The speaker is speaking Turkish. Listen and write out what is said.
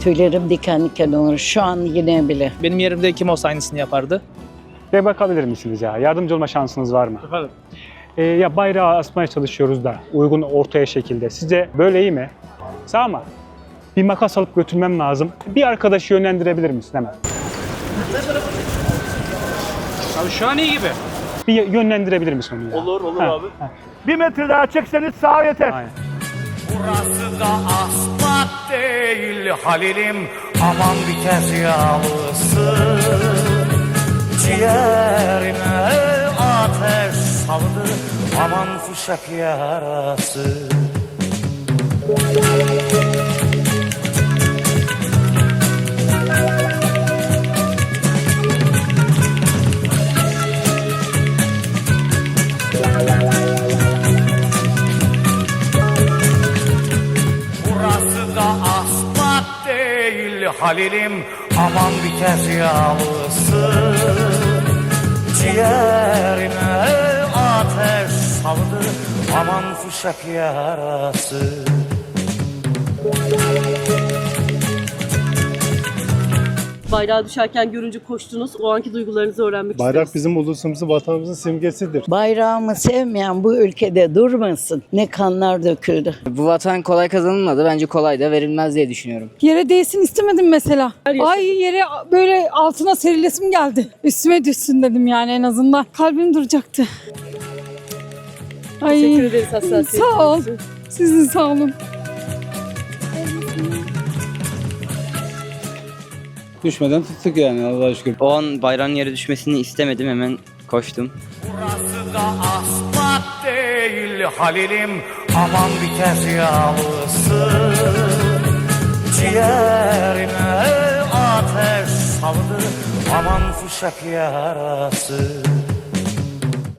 Tüylerim diken diken olur. Şu an yine bile. Benim yerimde kim olsa aynısını yapardı. Ve bakabilir misiniz ya? Yardımcı olma şansınız var mı? Efendim? Ya bayrağı asmaya çalışıyoruz da uygun ortaya şekilde. Sizce böyle iyi mi? Sağ mı? Bir makas alıp götürmem lazım. Bir arkadaşı yönlendirebilir misin hemen? Abi şu an iyi gibi. Bir yönlendirebilir misin onu ya? Olur Ha, abi. ha. 1 metre daha çekseniz sağ yeter. Aynen. Burası da asfalt değil Halil'im, aman biter yağlısı. Ciğerime ateş saldı, aman fuşak yarası. Burası da asfalt değil Halil'im, aman biter yağlısı. Ciğerime ateş saldı, aman fuşak yarası. Bayrağı düşerken görünce koştunuz. O anki duygularınızı öğrenmek Bayrak isteriz. bizim ulusumuzun, vatanımızın simgesidir. Bayrağımı sevmeyen bu ülkede durmasın. Ne kanlar döküldü. Bu vatan kolay kazanılmadı. Bence kolay da verilmez diye düşünüyorum. Yere değsin istemedim mesela. Her yaşa- Ay yere böyle altına serilesim geldi. Üstüme düşsün dedim yani en azından. Kalbim duracaktı. Ay, Teşekkür ederiz hassasiyetiniz sağ ol. için. Sizin sağ olun. Düşmeden tuttuk yani Allah'a şükür. O an bayrağın yere düşmesini istemedim. Hemen koştum. Burası da asfalt değil Halil'im, aman biter yağlısı. Ciğerime ateş saldı, aman fuşak yarası.